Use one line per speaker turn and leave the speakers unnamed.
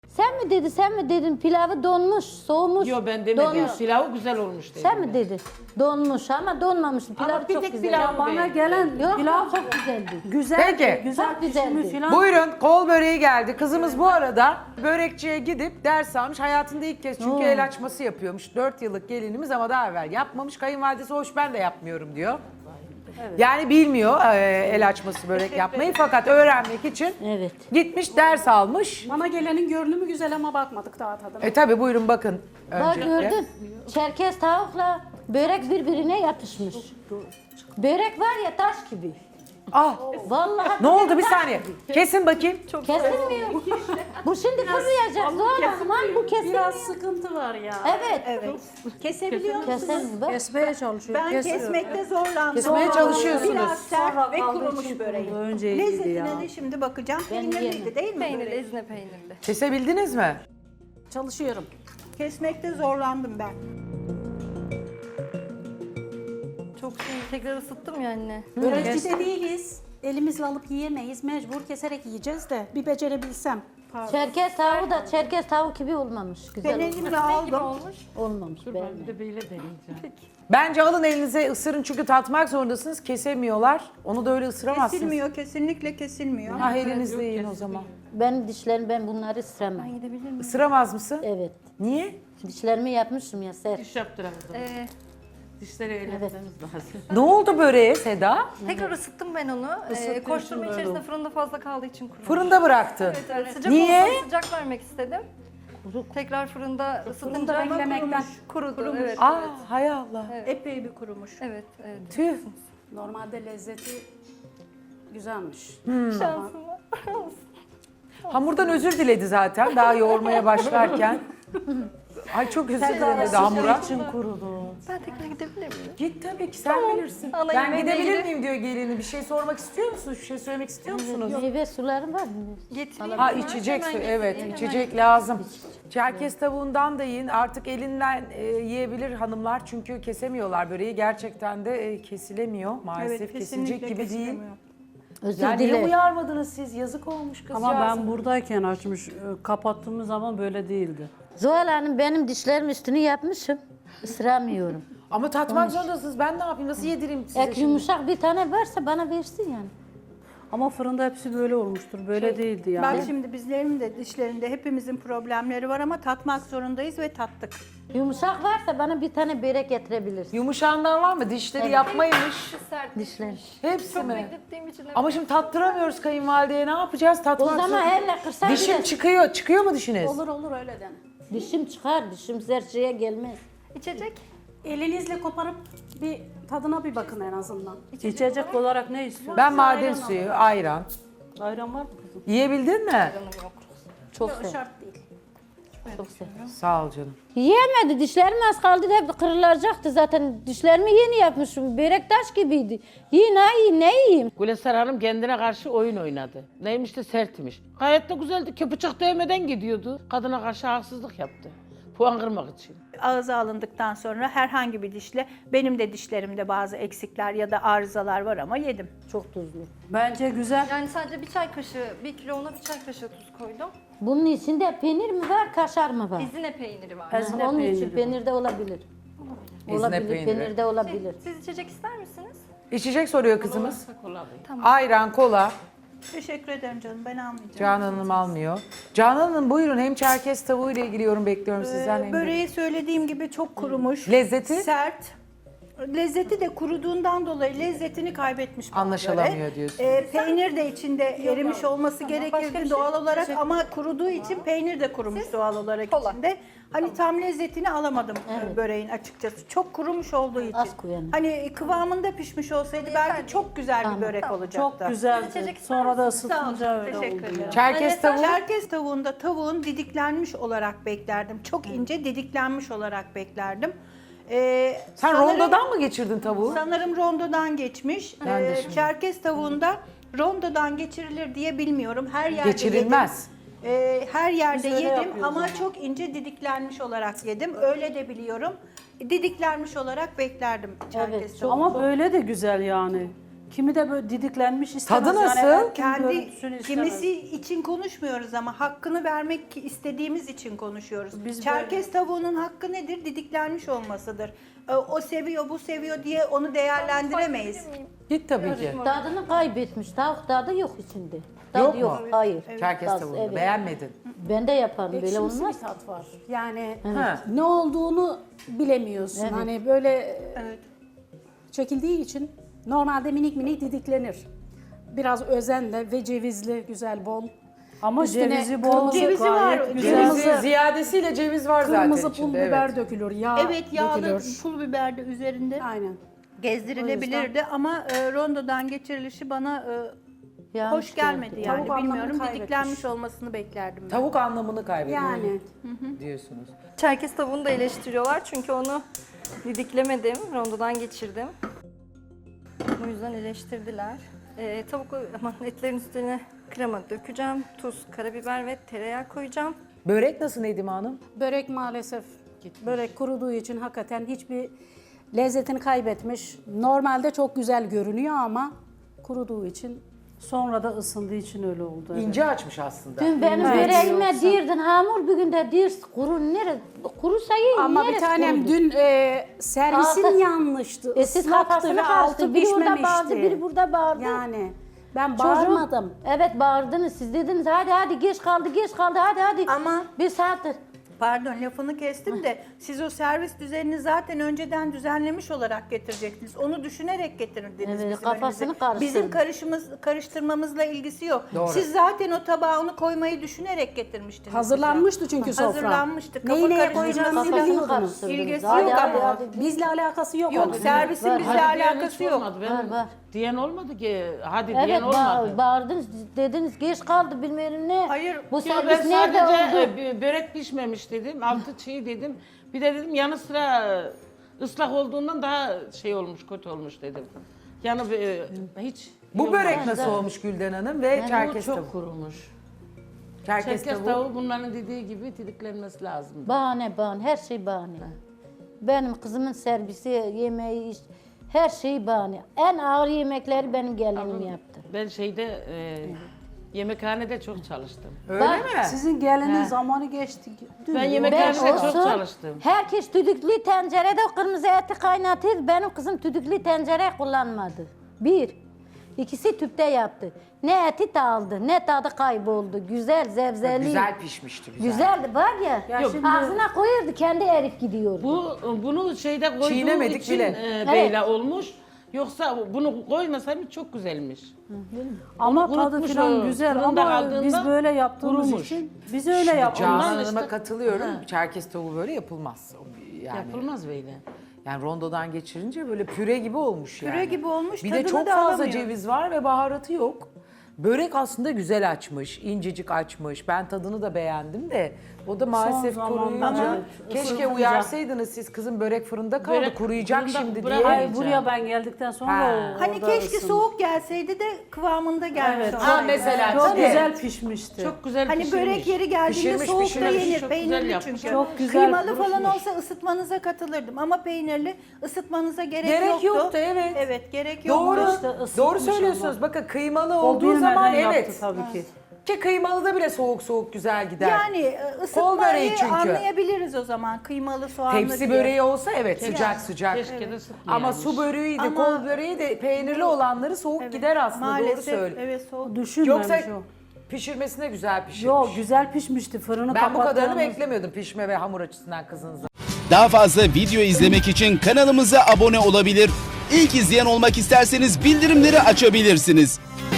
Sen mi dedi, sen mi dedin pilavı donmuş, soğumuş.
Yok ben demedim.
donmuş.
Pilavı güzel olmuş dedim.
Sen mi dedi? Donmuş ama donmamış. Pilav
bir
çok
tek
güzel.
pilavı
Bana
beğendim.
gelen
Yok
pilav
çok güzeldi.
güzel.
Peki.
Güzel
Çok güzeldi.
pişmiş filan.
Buyurun kol böreği geldi. Kızımız bu arada börekçiye gidip ders almış. Hayatında ilk kez çünkü el açması yapıyormuş. 4 yıllık gelinimiz ama daha evvel yapmamış. Kayınvalidesi hoş ben de yapmıyorum diyor. Yani bilmiyor el açması börek yapmayı fakat öğrenmek için
Evet.
gitmiş ders almış.
Bana gelenin görünümü güzel ama bakmadık daha tadına.
Tabi buyurun bakın
Bak
öncelikle.
gördün. Çerkez tavukla börek birbirine yapışmış. Börek var ya taş gibi.
Ah
Vallahi
ne oldu bir
taş
saniye.
gibi.
Kesin bakayım.
Kesilmiyor. Bu şimdi fırlayacak Zuhal Hanım. Bu kesilmiyor.
Biraz sıkıntı var ya.
Evet.
Evet. Kesebiliyor musunuz?
Kesilmiyor. Bak.
Kesmeye çalışıyor.
Ben kesmekte zorlandım.
Kesmeye çalışıyorsunuz.
Biraz sert
Sonra
ve
kaldığı
kurumuş
için
böreği.
kurulu. Önce iyiydi
Lezzetine
ya.
de şimdi bakacağım.
Ben
Peynirliydi
yiyemem.
değil mi
Peynirli,
böreği?
ezine peynirli.
Kesebildiniz mi?
Çalışıyorum.
Kesmekte zorlandım ben.
Çok tekrar ısıttım ya anne.
Börekçi de değiliz. Elimizle alıp yiyemeyiz. Mecbur keserek yiyeceğiz de. Bir becerebilsem.
Çerkez tavuğu da çerkez tavuk gibi olmamış. Güzel
Ben
olmamış.
elimle aldım.
Olmuş.
Olmamış.
Ben
beğenmedim.
de böyle deneyeceğim.
Bence alın elinize ısırın çünkü tatmak zorundasınız. Kesemiyorlar. Onu da öyle ısıramazsınız.
Kesilmiyor, kesinlikle kesilmiyor.
Ah elinizle yiyin o zaman.
Ben dişlerim ben bunları ısıramam.
Gidebilir miyim?
Isıramaz mısın?
Evet.
Niye?
Dişlerimi yapmışım ya sert.
Diş yaptıramadım. Dişleri eğlenmemiz lazım.
Ne oldu böreğe Seda?
Tekrar ısıttım ben onu. Koşturma içerisinde fırında fazla kaldığı için kurumuş.
Fırında bıraktın.
Evet, sıcak
Niye?
olsa sıcak vermek istedim. Tekrar fırında ısıtınca
Fırında beklemekten.
kurudu. Evet,
Aa hay Allah.
Epey bir kurumuş.
evet, evet.
Tüh.
Normalde lezzeti güzelmiş.
Şansıma.
Hamurdan özür diledi zaten daha yoğurmaya başlarken. Ay çok özür dilerim dedi hamura.
Ben tekrar gidebilir miyim?
Git tabii ki sen bilirsin.
Ana
Ben
yemeğe
gidebilir
ilgili.
miyim diyor gelini. Bir şey sormak istiyor musunuz? Bir şey söylemek istiyor musunuz?
Meyve sularım var mı?
Getireyim.
Ha
mi?
içecek su.
Hemen
Evet
getireyim,
içecek lazım. Çerkez tavuğundan da yiyin. Artık elinden yiyebilir hanımlar. Çünkü kesemiyorlar böreği. Gerçekten de kesilemiyor. Maalesef
Evet,
kesilecek
kesinlikle
gibi değil.
kesilemiyor.
Özür
Yani niye
dilerim.
uyarmadınız siz? Yazık olmuş kızcağız.
Ama ben buradayken açmış, kapattığımız zaman böyle değildi.
Zuhal Hanım benim dişlerim üstünü yapmışım. Isıramıyorum.
Ama tatmak zorundasınız. Ben ne yapayım? Nasıl yedireyim size
Ek
şimdi?
yumuşak bir tane varsa bana versin yani.
Ama fırında hepsi böyle olmuştur, böyle değildi yani.
Bak şimdi bizlerin de dişlerinde hepimizin problemleri var ama tatmak zorundayız ve tattık.
Yumuşak varsa bana bir tane börek getirebilirsin.
Yumuşağından var mı? Dişleri yapmaymış.
Sert.
Dişler.
Hepsi
Çok
mi?
beklettiğim için.
Ama şimdi tattıramıyoruz kayınvalideye. Ne yapacağız?
O
Tatmak
zaman
zor-
elle kırsan
Dişim
bile-
çıkıyor. Çıkıyor mu dişiniz?
Olur öyle dene.
Dişim çıkar, dişim serçeye gelmez.
İçecek.
Elinizle koparıp bir tadına bir bakın en azından.
İçecek olarak ne istiyorsun?
Ben maden suyu, ayran.
Ayran var mı kızım?
Yiyebildin mi?
Çok
O
sev.
şart değil.
Çok sev.
Sağ ol canım.
Yiyemedi, dişlerim az kaldı da hep kırılacaktı zaten. Dişlerimi yeni yapmışım, börek taş gibiydi. Yiyin ha yiyin, ne yiyeyim?
Gülesar Hanım kendine karşı oyun oynadı. Neymiş de sertmiş. Gayet de güzeldi ki bıçak değmeden gidiyordu. Kadına karşı haksızlık yaptı. Puan kırmak için.
Ağza alındıktan sonra herhangi bir dişle, benim de dişlerimde bazı eksikler ya da arızalar var ama yedim.
Çok tuzlu.
Bence güzel.
Yani sadece bir çay kaşığı, 1 kilo una 1 çay kaşığı tuz koydum.
Bunun içinde peynir mi var, kaşar mı var?
Ezine peyniri var.
Ezine
Onun için
peyniri.
peynir de olabilir.
Ezine
Olabilir,
peyniri.
peynir de olabilir.
Siz içecek ister misiniz?
İçecek soruyor kızımız.
Kolay.
Ayran, kola.
Teşekkür ederim canım, ben almayacağım.
Canan Hanım almıyor. Canan Hanım buyurun. Hem çerkez tavuğu ile ilgili yorum bekliyorum sizden. hem de-
Böreği söylediğim gibi çok kurumuş.
Lezzeti?
Sert. Lezzeti de kuruduğundan dolayı lezzetini kaybetmiş bana
Anlaşılamıyor
göre.
diyorsun.
Peynir de içinde erimiş olması gerekirdi doğal olarak ama kuruduğu için peynir de kurumuş doğal olarak
Kola.
içinde. Hani tam lezzetini alamadım böreğin açıkçası. Çok kurumuş olduğu için.
Az koyalım.
Hani kıvamında pişmiş olsaydı belki çok güzel bir börek olacaktı.
Çok güzeldi.
İçecek ister
Sonra da
misiniz?
ısıtınca öyle
Teşekkür
oldu.
ederim.
ya.
Çerkez tavuğu.
Çerkez tavuğunda tavuğun didiklenmiş olarak beklerdim. Çok ince didiklenmiş olarak beklerdim.
Sen
Sanırım-
rondodan mı geçirdin tavuğu?
Sanırım rondodan geçmiş.
Ben de şimdi.
Çerkez tavuğunda rondodan geçirilir diye bilmiyorum. Her yerde
Geçirilmez.
yedim. Her yerde
Biz öyle
yedim
yapıyoruz
ama
ama.
çok ince didiklenmiş olarak yedim. Öyle de biliyorum. Didiklenmiş olarak beklerdim çerkez
Evet, çok-
tavuğu.
Ama böyle de güzel yani. Kimi de böyle didiklenmiş istemez.
Tadı nasıl?
Yani,
Kendi
görüntüsünü istemez.
kimisi için konuşmuyoruz ama hakkını vermek istediğimiz için konuşuyoruz.
Biz
Çerkez tavuğunun hakkı nedir? Didiklenmiş olmasıdır. O seviyor, bu seviyor diye onu değerlendiremeyiz.
Git tabii ki.
Tadını kaybetmiş. Tavuk tadı yok içinde. Tadı
Yok
yok.
mu?
Hayır.
Çerkez
Tadı,
tavuğunu
evet.
beğenmedin.
Ben de yaparım böyle
Ekşimsi
olmaz.
bir tat var. Yani
Ha.
ne olduğunu bilemiyorsun.
Evet.
Hani böyle çekildiği için normalde minik minik didiklenir. Biraz özenle ve cevizli, güzel, bol.
Ama
Üstüne
cevizi bol,
kırmızı-
Cevizi var.
gayet güzel.
Cevizi ziyadesiyle ceviz var zaten
Kırmızı pul
içinde.
biber
Evet.
dökülür, yağ
Evet, yağlı
dökülür.
pul biber de üzerinde
Aynen.
gezdirilebilirdi ama rondodan geçirilişi bana
Yanlış
hoş gelmedi
geldi.
yani.
Tavuk anlamını
Bilmiyorum,
kaybetmiş.
didiklenmiş olmasını beklerdim ben.
Tavuk anlamını kaybediyor
Yani
diyorsunuz.
Çerkez tavuğunu da eleştiriyorlar çünkü onu didiklemedim, rondodan geçirdim. Bu yüzden eleştirdiler. Etlerin üstüne krema dökeceğim, tuz, karabiber ve tereyağı koyacağım.
Börek nasıl Nedim Hanım?
börek maalesef börek kuruduğu için hakikaten hiçbir lezzetini kaybetmiş. Normalde çok güzel görünüyor ama kuruduğu için
Sonra da ısındığı için öyle oldu. evet.
İnce açmış aslında.
Dün benim
Evet.
böreğime
Yoksa-
dirdin hamur, bugün de dir kuru nere kurusa yiyin.
ama bir
neresi
tanem
kurudu?
dün servisin
Altı-
yanlıştı.
Siz
Islaktı
kafasını
ve altı
karıştı. Biri orada
pişmemişti.
bağırdı, biri burada bağırdı.
Yani ben
Çocuğum-
bağırmadım.
Evet bağırdınız. Siz dediniz hadi geç kaldı hadi.
Ama-
bir saattir.
Pardon, lafını kestim de siz o servis düzenini zaten önceden düzenlemiş olarak getirecektiniz. Onu düşünerek getirdiniz
Evet,
bizim
kafasını
önümüze.
karıştırdı.
Bizim karıştırmamızla ilgisi yok.
Doğru.
Siz zaten o tabağı onu koymayı düşünerek getirmiştiniz.
Hazırlanmıştı çünkü sofra.
Hazırlanmıştı. Kafa
Neyi neye
karıştırması
koyacağımızı
yok.
biliyordunuz.
karıştırdınız.
İlgisi
Hadi,
yok
hadi,
ama.
hadi.
Bizle alakası yok.
Yok,
onun.
servisin
Var.
bizle
Hadi diyen
alakası
hiç
yok.
olmadı. Benim
Var.
diyen olmadı ki. Hadi
Evet
diyen olmadı.
bağırdınız dediniz geç kaldı bilmem ne.
Hayır,
Bu
Yo,
servis
ben
nerede
sadece
oldu?
börek pişmemiş dedim, altı çiğ dedim. Bir de dedim yanı sıra ıslak olduğundan daha şey olmuş, kötü olmuş dedim. Yani hiç...
Bu
iyi
börek
olmadı.
nasıl olmuş Gülden Hanım ve
Yani
çerkez
bu çok
tavuğu?
kurumuş.
Çerkez
Çerkez
tavuğu.
tavuğu bunların dediği gibi didiklenmesi lazım.
Bahane her şey bahane. Benim kızımın servisi, yemeği, her şey bahane. En ağır yemekleri benim gelinim yaptı.
Ben yemekhanede çok çalıştım.
Öyle
Bak,
mi?
Sizin gelinin zamanı geçti. Dün
Ben
yok.
yemekhanede çok
olsun,
çalıştım.
herkes düdüklü tencerede kırmızı eti kaynatır. Benim kızım düdüklü tencere kullanmadı. Bir. İkisi tüpte yaptı. Ne eti dağıldı, ne tadı kayboldu. Güzel, zevzeli.
Güzel pişmişti. Güzel.
Güzeldi var ya,
Yok.
ağzına koyardı kendi erip gidiyordu.
Bunu şeyde koyduğum
Çiğnemedik
için
bile.
böyle olmuş. Yoksa bunu koymasaydım çok güzelmiş.
Ama
Onu
tadı
kurutmuş
falan
o,
güzel
fırında
ama
kaldığında
biz böyle yaptığımız
kurumuş.
için biz öyle
Canan
yapıyoruz.
Hanım'a
işte-
katılıyorum. Çerkez tavuğu böyle yapılmaz. Yani,
Yapılmaz böyle.
yani rondodan geçirince böyle püre gibi olmuş yani.
Püre gibi olmuş,
Bir de
tadını
çok
da
fazla
alamıyor.
ceviz var ve baharatı yok. Börek aslında güzel açmış, incecik açmış. Ben tadını da beğendim de o da maalesef
zamanlarda
kuruyunca
evet,
keşke
ısıtınca.
uyarsaydınız siz kızın börek fırında kaldı
Börek
kuruyacak
fırında
şimdi
bırak-
diye.
Hayır buraya ben geldikten sonra
Ha.
Hani
orada
keşke
ısındı.
soğuk gelseydi de kıvamında gelmiş
Evet.
olsaydı.
Ha mesela
Çok
tabii.
güzel pişmişti.
Çok güzel
Hani
pişirmiş.
börek yeri geldiğinde
Pişirmiş,
soğuk da
pişirmiş.
yenir.
Çok
Peynirli
güzel yapmış.
çünkü.
Çok güzel
Kıymalı falan
kurutmuş.
olsa ısıtmanıza katılırdım ama peynirli ısıtmanıza gerek
Gerek yoktu, evet.
Evet, gerek yoktu.
Doğru,
İşte ısıtmış
doğru söylüyorsunuz.
ama.
Bakın kıymalı
O
olduğu
bilmeden
zaman
yaptı
evet.
tabii ki.
Ki kıymalı da bile soğuk soğuk güzel gider.
Yani
Kol böreği
ısıtmayı
çünkü.
anlayabiliriz o zaman. Kıymalı, soğanlı
Tepsi
diye.
böreği olsa evet sıcak sıcak.
Keşke de sıkmayaymış.
Ama su böreği de
Ama-
kol böreği de peynirli olanları soğuk
Evet,
gider aslında doğru
maalesef,
söyle.
evet soğuk.
Düşünmemiş
Yoksa
o.
pişirmesine güzel pişirmiş.
Yok güzel pişmişti fırını
Ben bu kadarını
kapattığımız-
beklemiyordum pişme ve hamur açısından kızınızın.
Daha fazla video izlemek için kanalımıza abone olabilir. İlk izleyen olmak isterseniz bildirimleri açabilirsiniz.